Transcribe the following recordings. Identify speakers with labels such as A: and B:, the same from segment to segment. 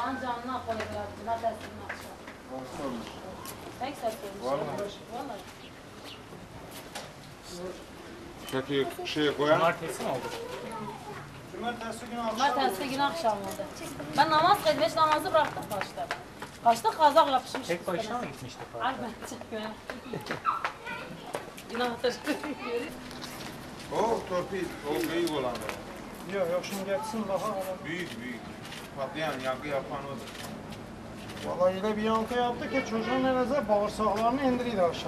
A: Allah'ın canına koyuyorlar. Buna dersini akşam. Pek satıyormuş. Vallahi.
B: Kötü şey koyan.
C: Cumartesi mi oldu?
A: Cumartesi günü akşam oldu. Ben namaz kılmış, namazı bıraktım kaçta. Kaçta kazak yapışmış.
C: Tek başına mı gitmiştik?
A: Ay ben çekmiyorum. Günahtır.
B: O torpil, o büyük olan.
D: Yok şimdi geçsin daha.
B: Büyük. Patlayan, yankı yapan odur.
D: Vallahi öyle bir yankı yaptı ki çocuğun neredeyse bağırsaklarını indiriydi aşağı.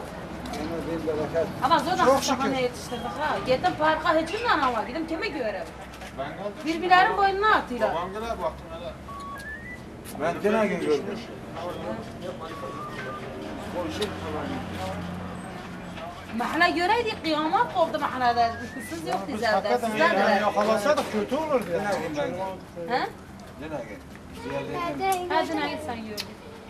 A: Ama zaten
D: Çok
A: hastahaneye
D: şükür.
A: yetiştirdik ha. Gittim parka hiç kimden ama gidip kimi göreyim.
B: Ben geldim.
A: Birbirlerinin boynuna atıyorlar.
B: Babam gelir baktım hele.
E: Ben gene gün gördüm.
A: Mahalle göreydik kıyamet koptu mahallede. Siz yok
D: Biz
A: dizelde.
D: hakikaten
A: Sizler
D: yani
A: de.
D: yakalasaydık kötü olurdu ya.
A: He?
E: Gene gel.
A: Hadi ne git sen gördün.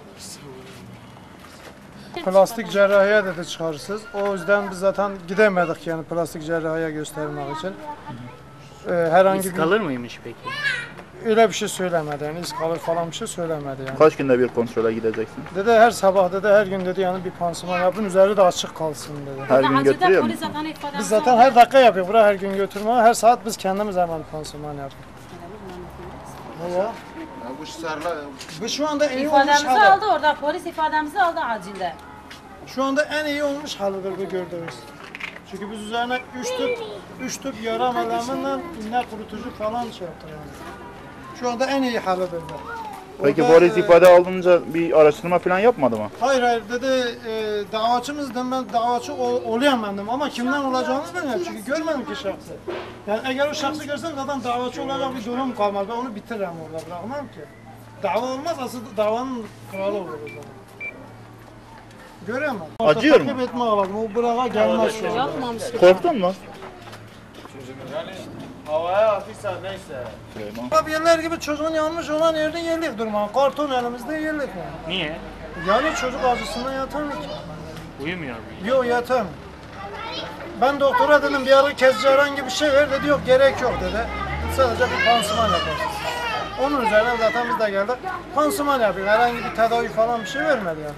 D: Plastik cerrahiye dedi çıkarsız. O yüzden biz zaten gidemedik yani plastik cerrahiye göstermek için. Herhangi
C: İz
D: bir
C: kalır mıymış peki?
D: öyle bir şey söylemedi yani iz kalır falan bir şey söylemedi yani.
F: Kaç günde bir kontrole gideceksin?
D: Dedi her sabah dedi her gün dedi yani bir pansuman yapın üzeri de açık kalsın dedi.
F: Her gün
A: Acilde
F: götürüyor
A: polis
F: musun?
A: zaten ifademizi
D: Biz zaten
A: aldı.
D: her dakika yapıyoruz. Buraya her gün götürme. Her saat biz kendimiz hemen pansuman yapıyoruz. Ne ya?
B: Bu sarla,
D: Bu şu anda en iyi olmuş
A: İfademizi
D: halı.
A: aldı orada. Polis ifademizi aldı acilde.
D: Şu anda en iyi olmuş halıdır bu gördüğünüz. Çünkü biz üzerine 3 tüp yara meleminle iğne kurutucu falan şey yaptık yani. Şu anda en iyi halıdır bu.
F: Peki
D: Orada,
F: polis ifade alınca bir araştırma falan yapmadı mı?
D: Hayır dedi davacımızdım ben davacı olayamadım ama kimden olacağını bilmiyorum çünkü görmedim ki şahsı. Yani eğer o şahsı görsem zaten davacı olacak bir durum kalmaz. Ben onu bitiririm orada bırakmam ki. Dava olmaz asıl davanın kralı olur o zaman. Göremem.
F: Acıyor mu?
D: Takip etme lazım. O burağa gelmez şu anda.
A: Yapmamış.
F: Korktun mu?
B: yani havaya atıysa neyse.
F: Süleyman.
D: Tabii yerler gibi çocuğun yanmış olan yerde yerlik durma. Karton elimizde yerlik yani.
C: Niye?
D: Yani çocuk acısından yatar mı ki?
C: Uyumuyor mu?
D: Yok yatar mı? Ben doktora dedim bir ara kesici herhangi bir şey ver dedi yok gerek yok dedi. Sadece bir pansuman yaparsın. Onun üzerine zaten biz de geldik. Pansuman yapıyor. Herhangi bir tedavi falan bir şey vermedi yani.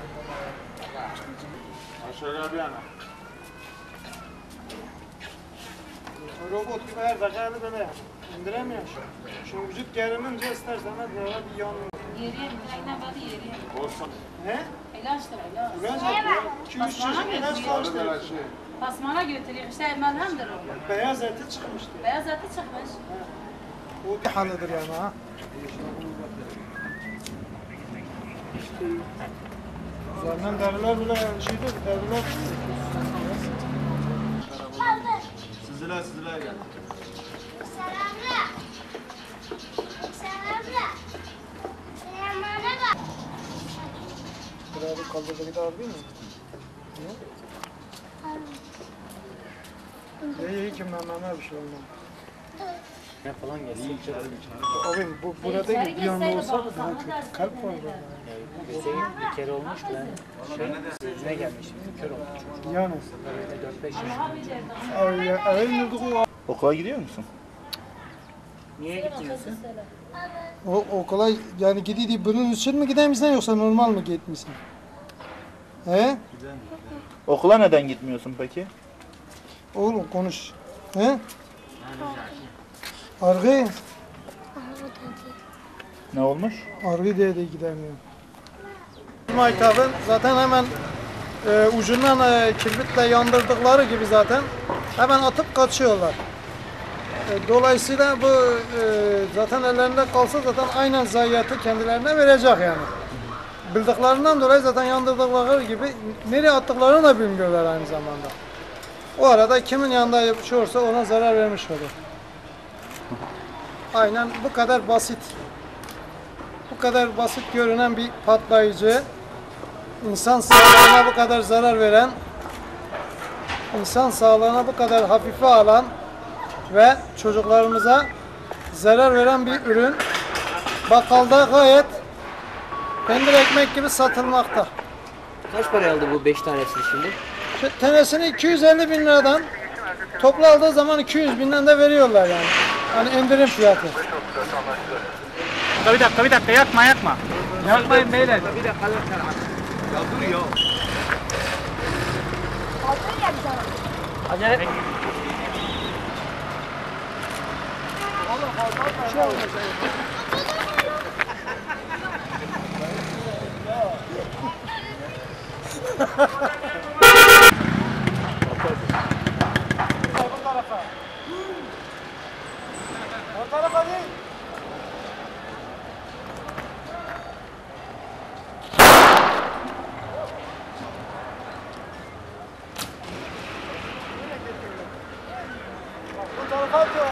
B: Şöyle bir yana.
D: Robot gibi her dakika böyle indiremiyor şu vücut gerilince istersen böyle bir yanıyor.
A: Yeriye mi? Aynen böyle yeriye.
B: Olsun.
D: Ne?
A: İlaçtır ilaç.
D: İlaç yapıyor. 2-3 çeşit ilaç
B: Böyle
D: karıştı.
B: şey.
A: Tasmana götürüyor. İşte melhemdir o.
D: Beyaz eti çıkmıştı.
A: Beyaz eti çıkmış.
D: O bir halıdır yani ha. Üzerinden deriler bile şeydir, deriler
B: Süzüle gel.
D: Buraya bir kaldırdı bir daha değil mi? İyi ki mememe bir şey olmadı.
C: Ne falan gelse
D: Abi bu burada değil bir yanı olsa daha kötü. Kalp var burada.
C: Hüseyin bir kere olmuş ben ne gelmiştim kör olmuş.
D: Yani.
C: Böyle 4-5 yaşında.
D: Ay o
F: Okula gidiyor musun?
C: Niye gitmiyorsun?
D: o okula yani gidiyor bunun için mi gidemiyorsun yoksa normal mi gitmişsin? He?
F: Okula neden gitmiyorsun peki?
D: Oğlum konuş. He? Argı.
F: Ne olmuş?
D: Argı diye de gidemiyor. Maytabın zaten hemen ucundan kibritle yandırdıkları gibi zaten hemen atıp kaçıyorlar. Dolayısıyla bu zaten ellerinde kalsa zaten aynen zayiatı kendilerine verecek yani. Bildiklerinden dolayı zaten yandırdıkları gibi nereye attıklarını da bilmiyorlar aynı zamanda. O arada kimin yanında yapışıyorsa ona zarar vermiş olur. Aynen bu kadar basit. Bu kadar basit görünen bir patlayıcı, insan sağlığına bu kadar zarar veren, insan sağlığına bu kadar hafife alan ve çocuklarımıza zarar veren bir ürün bakkalda gayet peynir ekmek gibi satılmakta.
G: Kaç para aldı bu 5 tanesini şimdi?
D: Şu tanesini 250 bin liradan toplu aldığı zaman 200 binden de veriyorlar yani. Hani indirim fiyatı.
C: bir dakika yakma. Yapmayın beyler. Acele.
D: O tarafa değil. Bu tarafa atıyor.